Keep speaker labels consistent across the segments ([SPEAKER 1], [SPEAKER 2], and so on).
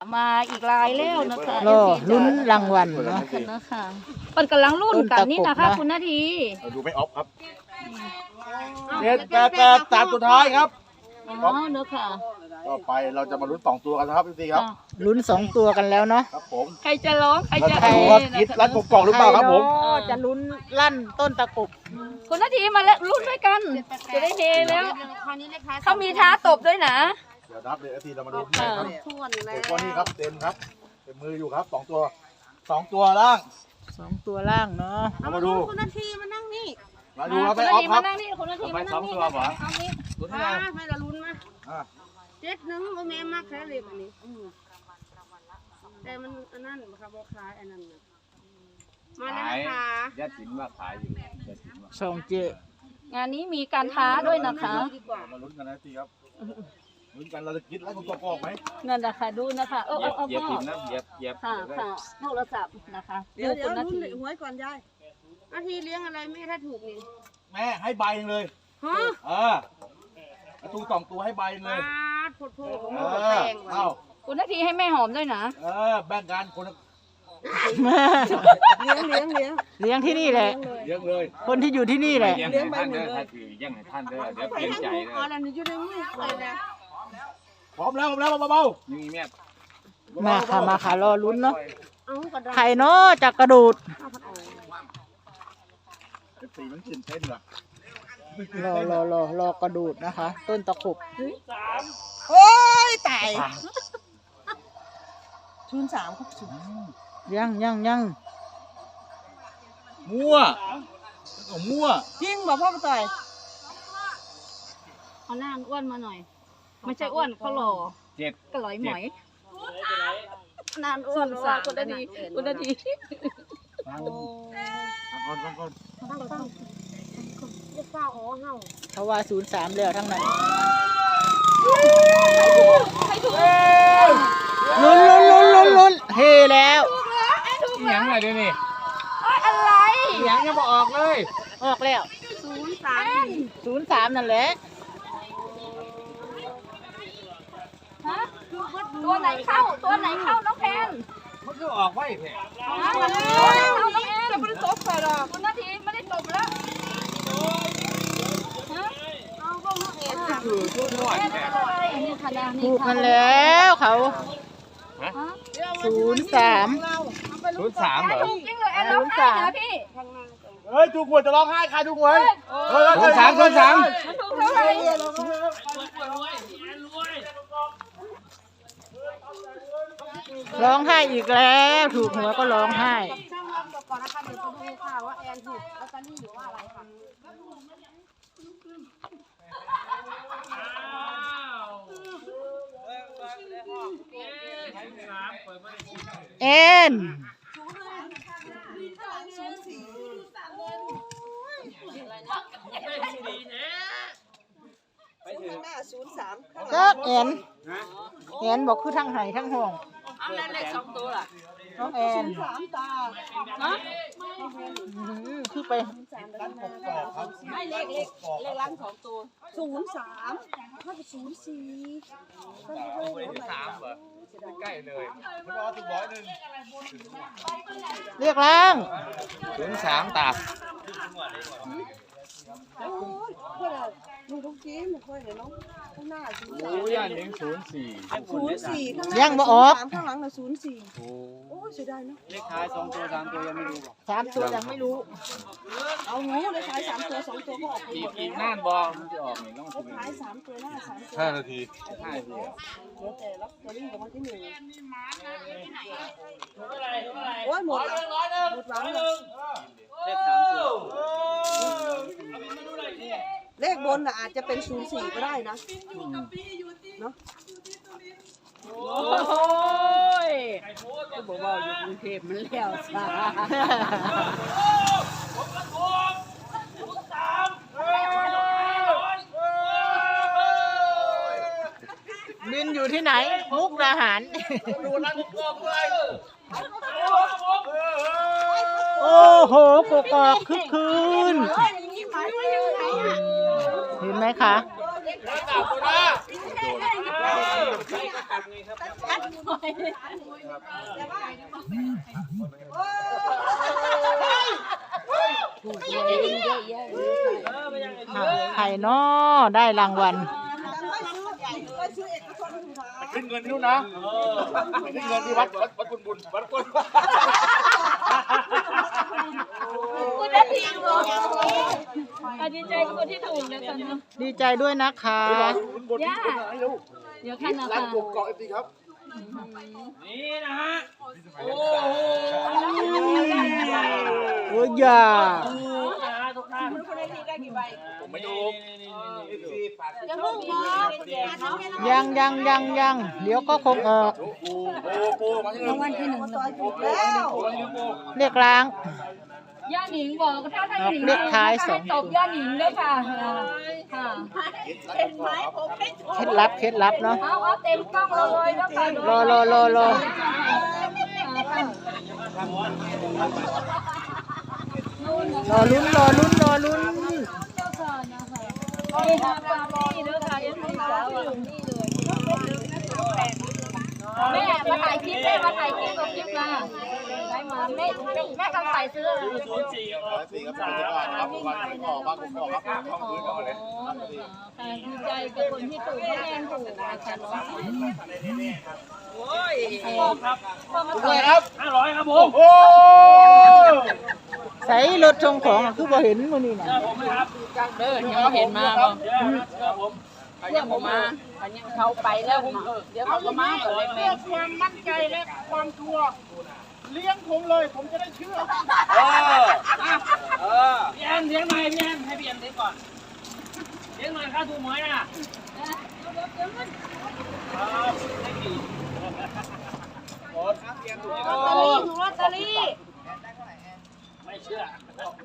[SPEAKER 1] มาอีกลายแล้วนะคะ
[SPEAKER 2] รอลุ้นรางวัลเนาะ
[SPEAKER 1] นะคะมันกำลังรุ่นกันนี่นะคะคุณนาที
[SPEAKER 3] ดูไม่ออฟครับ788ตามสุดท้ายครับ
[SPEAKER 1] อ๋อเนอะค่ะ
[SPEAKER 3] ต่อไปเราจะมาลุ้น2ตัวกันนะครับพี่ครับ
[SPEAKER 2] ลุ้น2ตัวกันแล้วเนาะ
[SPEAKER 3] ครับผม
[SPEAKER 1] ใครจะร้องใครจะ
[SPEAKER 3] ใครว่าคิดรัดกบกล่องหรือเปล่าครับผม
[SPEAKER 2] จะลุ้นลั่นต้นตะกบ
[SPEAKER 1] คุณนาทีมาแล้วรุ่นด้วยกันจะได้เฮแล้วเขามีท้าตบด้วยนะ
[SPEAKER 3] เดี๋ยวนับเลยทีเรามาดูที่ไหนครับตัวนี้ครับเต็มครับเต็มมืออยู่ครับ2ตัวล่าง
[SPEAKER 2] 2ตัวล่างเนาะ
[SPEAKER 3] เรามาดู
[SPEAKER 4] คุณนาทีมานั่งนี่
[SPEAKER 3] มาดูเรา
[SPEAKER 1] คุ
[SPEAKER 3] ไป
[SPEAKER 1] ณ
[SPEAKER 3] อ
[SPEAKER 1] นา
[SPEAKER 3] อฟ
[SPEAKER 1] ที
[SPEAKER 3] ครั
[SPEAKER 1] มา
[SPEAKER 3] บ
[SPEAKER 1] นั่งนี่คุณนาทีมานั่งนี่เอานี่
[SPEAKER 4] มาให้ละลุ้นมา
[SPEAKER 3] อ่า
[SPEAKER 4] 7-1บ่แม่มากแค่เล็กอันนี้แต่มันอันนั้นบ่ครับบ่คล้ายอันนั้นน่ะมาแล้วนะคะ
[SPEAKER 5] ยัดสินว่าขายอยู่ยัดสินว่า
[SPEAKER 2] ส่งเจ
[SPEAKER 1] งานนี้มีการท้าด้วยนะคะ
[SPEAKER 4] ดีกว่า
[SPEAKER 3] มาลุ้นกันนะทีครับลุ้นกันเราจะคิดรัดกบกล่องไหม
[SPEAKER 1] นั่นนะคะดูนะคะ
[SPEAKER 5] เหยียบ
[SPEAKER 1] เอา
[SPEAKER 5] เหยียบ
[SPEAKER 1] พ่
[SPEAKER 5] สิ
[SPEAKER 1] อน
[SPEAKER 5] นะเหยียบ
[SPEAKER 1] ค่ะค่ะโทรศัพท์นะคะ
[SPEAKER 4] เดี๋ยว
[SPEAKER 1] คุณนา
[SPEAKER 4] ลุ้น
[SPEAKER 1] ที
[SPEAKER 4] หวยก่อนยายนาทีเลี้ยงอะไรแม่ถ้าถูกนี่
[SPEAKER 3] แม่ให้ใบนึงเลย
[SPEAKER 4] ฮะ
[SPEAKER 3] ถูก2ตัวให้ใบนึงเลย
[SPEAKER 4] ปาดโพดของ
[SPEAKER 3] เอ
[SPEAKER 4] มันก็
[SPEAKER 3] อ
[SPEAKER 4] แพงว่ะ
[SPEAKER 3] เอ้า
[SPEAKER 1] คุณนาทีให้แม่หอมด้วยนะ
[SPEAKER 3] แบ่งกันคนละ
[SPEAKER 4] เลี้ยง
[SPEAKER 2] เลี้ยงที่นี่แหละ
[SPEAKER 3] เยอะเลย
[SPEAKER 2] คนที่อยู่ที่นี่แหละ
[SPEAKER 5] ยังให้ท่านเด้อถ้าถือยังให้ท่านเด้อเดี๋ยว
[SPEAKER 4] ไป
[SPEAKER 5] เปลี่ยน
[SPEAKER 4] ทั้ง
[SPEAKER 5] ใจ
[SPEAKER 4] ถูก
[SPEAKER 5] เด้
[SPEAKER 4] อ๋อ
[SPEAKER 5] อ
[SPEAKER 4] นั่นอยู่ในมือเลยนะ
[SPEAKER 3] พร้อมแล้วเบา
[SPEAKER 5] นี่แม่
[SPEAKER 2] มาค่ะมาค่ะรอลุ้นเนาะ
[SPEAKER 4] เอากระดาษ
[SPEAKER 2] ใครเนาะจะกระโดด
[SPEAKER 4] เอาผัดออก
[SPEAKER 3] ๆสีมันตื่นเต้นว่ะ
[SPEAKER 2] รอกระโดดนะคะ ต้นตะขบ
[SPEAKER 4] โอ้ยตาย03ครับ
[SPEAKER 2] ยัง
[SPEAKER 3] มั่วมั่ว
[SPEAKER 4] จริงบ่พ่อมาต่อย
[SPEAKER 1] เอาหน้าอ้วนมาหน่อย ไม่ใช่อ้วนเขาหล่อ
[SPEAKER 5] 7
[SPEAKER 1] กระหลอยหมอยนานอ้วนว่าคุณนาทีคุณนาที
[SPEAKER 3] ก่อน
[SPEAKER 4] เรียกเป้าอ๋อเฮา
[SPEAKER 2] เขาว่า03แล้วทั้งนั้น
[SPEAKER 1] ใครถูก
[SPEAKER 2] ลุ้นเฮแล้ว
[SPEAKER 5] ยังไงเดี๋ยวนี้
[SPEAKER 1] อะไร
[SPEAKER 5] ยังยังบ่ออกเลย
[SPEAKER 2] ออกแล้ว 03นั่นแหละ
[SPEAKER 1] ฮะตัวไหนเข้าน้องแพน
[SPEAKER 5] มันก็ออกไว้แท้
[SPEAKER 1] ตัวไหนเข้าน้องแอนจะไม่ได้ตบใครหรอกคุณนาทีไม่ได้ตบแล้วฮะ
[SPEAKER 5] คือชุดนวด
[SPEAKER 1] แอน
[SPEAKER 5] แท้
[SPEAKER 1] อะไรนี่ค่ะนี่
[SPEAKER 2] ถูกกันแล้วเขา
[SPEAKER 1] ฮะ
[SPEAKER 2] 03
[SPEAKER 5] 03เหรอ
[SPEAKER 1] ถูกจริงเลยแอนร้องไห้นะพี่
[SPEAKER 3] เฮ้ยถูกหวยจะร้องไห้ใครถูกหวย
[SPEAKER 5] 03
[SPEAKER 1] ถูกเท่าไหร่
[SPEAKER 2] ร้องไห้อีกแล้วถูกหัวก็ร้องไห้
[SPEAKER 4] ช่างรับก่อนนะคะเดี๋ยวไปดูค่ะว่าแอนถูกลอตเตอรี่หรือว่าอะไรค่ะ
[SPEAKER 2] เอ็น ก็เอ็นบอกคือทั้งไห้ทั้งห่วง
[SPEAKER 1] เอาแล้วเลข2ตัวล่ะ
[SPEAKER 2] น้องแอนคือไป
[SPEAKER 4] ไม่เลขล้าน2ตัว03ถ้าเป็น04
[SPEAKER 5] 3เหรอใกล้เลย
[SPEAKER 3] ไม่รอถูกร้อยหนึ่ง
[SPEAKER 2] เรียกล่าง
[SPEAKER 5] 03ตา
[SPEAKER 4] โอ้ยเพื่อนดูทุกทีมค่อยเดี๋ยวน้องข้างหน้า
[SPEAKER 5] โอ้ยอันนี้04
[SPEAKER 4] 04ข้างหน้า
[SPEAKER 2] ยังบ่ออก
[SPEAKER 4] ข้างหลังน่ะ04โอ้ยเสียดายเนาะ
[SPEAKER 5] เลขท้าย2ตัว3ตัวยังไม่รู้บอก
[SPEAKER 2] 3 ตัวยังไม่รู้
[SPEAKER 4] เอางูเลยท้าย3ตัว2ตัวก็ออกไปหมด
[SPEAKER 5] อี
[SPEAKER 4] แล้ว
[SPEAKER 5] กน่านบอมันจะออกนี่ต้อง
[SPEAKER 4] เลขท้าย3ตัวหน้า3ตัว
[SPEAKER 3] 5 นาที
[SPEAKER 5] 5 ที
[SPEAKER 4] เหลือแต่ลอตเตอรี่รางวัลที่1โอ้ยหมดแล้วหมดหวังแล้ว
[SPEAKER 5] เลข3ตัว
[SPEAKER 4] เลขบนน่ะอาจจะเป็น04ก็ได้นะเนาะ
[SPEAKER 1] โอ้ยก็บอกว่าอยู่กรุงเทพมันแล้วซะ
[SPEAKER 2] บินอยู่ที่ไหน มุกดาหาร
[SPEAKER 3] ดูรัดกบกล่องเลย
[SPEAKER 2] โอ้โหกกอกคึกคืนเห็นไหมคะ
[SPEAKER 5] ชัดไงครับ
[SPEAKER 2] ชัดหน่อยใครเนาะได้รางวัล
[SPEAKER 3] ขึ้นเงินที่นู่นนะขึ้นเงินที่วัดบุญวัดกุญ
[SPEAKER 2] คุณได้ทีมเหรอ
[SPEAKER 1] ดีใจกับคนที่ถูกนะคะเนาะ
[SPEAKER 2] ดีใจด้วยนะคะ
[SPEAKER 1] ย่าเดี๋ยวขั้นนะ
[SPEAKER 3] ร้าน
[SPEAKER 1] คะ
[SPEAKER 3] กบเกาะเอฟซีครับ
[SPEAKER 5] นี่นะฮะ โอ้โห
[SPEAKER 2] โอ้ยอย่า
[SPEAKER 5] ทุกท่าน
[SPEAKER 3] ผมไม่ดู
[SPEAKER 4] จะพุ่งมอง
[SPEAKER 2] ยังเดี๋ยวก็คงออก
[SPEAKER 3] ปูมาที่หนึ่ง
[SPEAKER 2] เรียกล้าง
[SPEAKER 1] ย่าหนิงบอกถ้าย่าหนิง
[SPEAKER 2] เลขท้ายสอง
[SPEAKER 1] ตบย่าหนิงด้วยค่ะค่ะ
[SPEAKER 2] เคล็ดลับเนาะ
[SPEAKER 1] เอาเต็มกล้องเลยแล้วค่ะ
[SPEAKER 2] รอลุ้น
[SPEAKER 1] เจ้าค่ะนะคะนี่ค่ะปาร์ตี้เด้อค่ะยังไม่สาวนี่เลยแม่มาถ่ายคลิปแม่มาถ่ายคลิปกับคลิปมาได้มาแม่กำใส่ซื้อ
[SPEAKER 3] 04ครับครับวันกอกบ้านกกอกครับห้องพื้นก่อนเลย
[SPEAKER 1] ดีใจกับคนที่ถูกแน่นถูกนะคะน้อง
[SPEAKER 5] ครับ
[SPEAKER 3] เลยครับ
[SPEAKER 5] 500ครับผม
[SPEAKER 3] โอ้
[SPEAKER 2] ใส่รถชงของคือบ่เห็นมื้อนี้น่ะ
[SPEAKER 5] ผมนะครับ
[SPEAKER 1] เด้อยังเห็นมาบ่
[SPEAKER 5] ครับผม
[SPEAKER 1] เรียกผมมาอันนี้เขาไปแล้วเดี๋ยวเขาก็มาก่อนเลยแม่
[SPEAKER 4] ความมั่นใจและความชัวร์เลี้ยงผมเลยผมจะได้เชื่อ
[SPEAKER 5] พี่แอนเลี้ยงหน่อยพี่แอนให้พี่แอนเลี้ยงก่อนเลี้ยงหน่อยค่าถูกหวยน่ะโอ้ครับพี่แอนถูก
[SPEAKER 4] ลอตเตอรี่
[SPEAKER 5] ไม่เชื่อ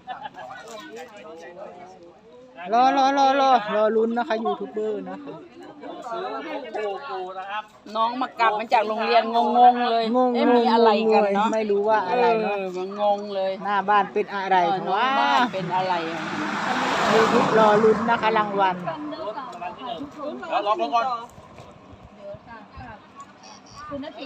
[SPEAKER 2] รอลุ้นนะคะยูทูบเบอร์นะคะ
[SPEAKER 5] ซื้อปูนะครับ
[SPEAKER 1] น้องมากลับมาจากโรงเรียนงงเลย
[SPEAKER 2] งง
[SPEAKER 1] มีอะไรกันเนาะ
[SPEAKER 2] ไม่รู้ว่าอะไรเนาะ
[SPEAKER 1] มันงงเลย
[SPEAKER 2] หน้าบ้านเป็นอะไร
[SPEAKER 1] น้อง
[SPEAKER 2] ว้า
[SPEAKER 1] บ้านเป็นอะไร
[SPEAKER 2] ยูทูบรอลุ้นนะคะรางวัล
[SPEAKER 3] แล้วรอก่อน
[SPEAKER 1] คุณนาที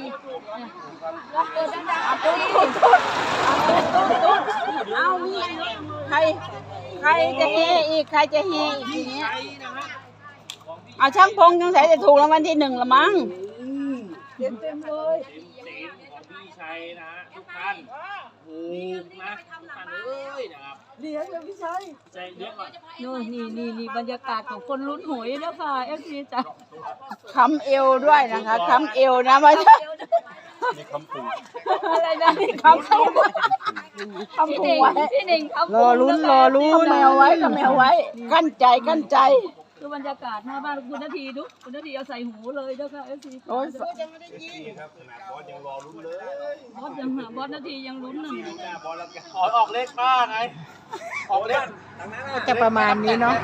[SPEAKER 4] เอามีใครจะเฮอีกใครจะเฮอีกทีนี้เอาช่างพงจังใส่จะถูกรางวัลที่ 1ละมั้ง
[SPEAKER 5] เสียงของพี่ชัยนะฮะทุกท่านถูกนะทุกท่านเอ้ยนะครับเลี้ยงเลยพี่ชัยใจเลี้ยงก่อน
[SPEAKER 1] โน่นนี่บรรยากาศของคนลุ้นหวยนะคะเอฟซีจ้ะ
[SPEAKER 4] ค้ำเอวด้วยนะคะค้ำเอวนะไม่ใช่
[SPEAKER 3] มีคำปู
[SPEAKER 1] อะไรนะ
[SPEAKER 4] ค้ำพุง
[SPEAKER 1] พี่หนิงครับ
[SPEAKER 2] รอลุ้น
[SPEAKER 4] แมวไว้ก็แมวไว้กั้นใจ
[SPEAKER 1] คือบรรยากาศหน้าบ้านคุณนาทีดูคุณนาทีเอาใส่หูเลยนะคะเอฟซี
[SPEAKER 4] โอ้ย
[SPEAKER 3] ครับขนาดบอสยังรอลุ้นเลย
[SPEAKER 1] บอสนาทียังลุ้นหนึ่ง
[SPEAKER 3] บอลแล้วออกเลขบ้าไงออกเลข
[SPEAKER 2] ก็จะประมาณนี้เนาะ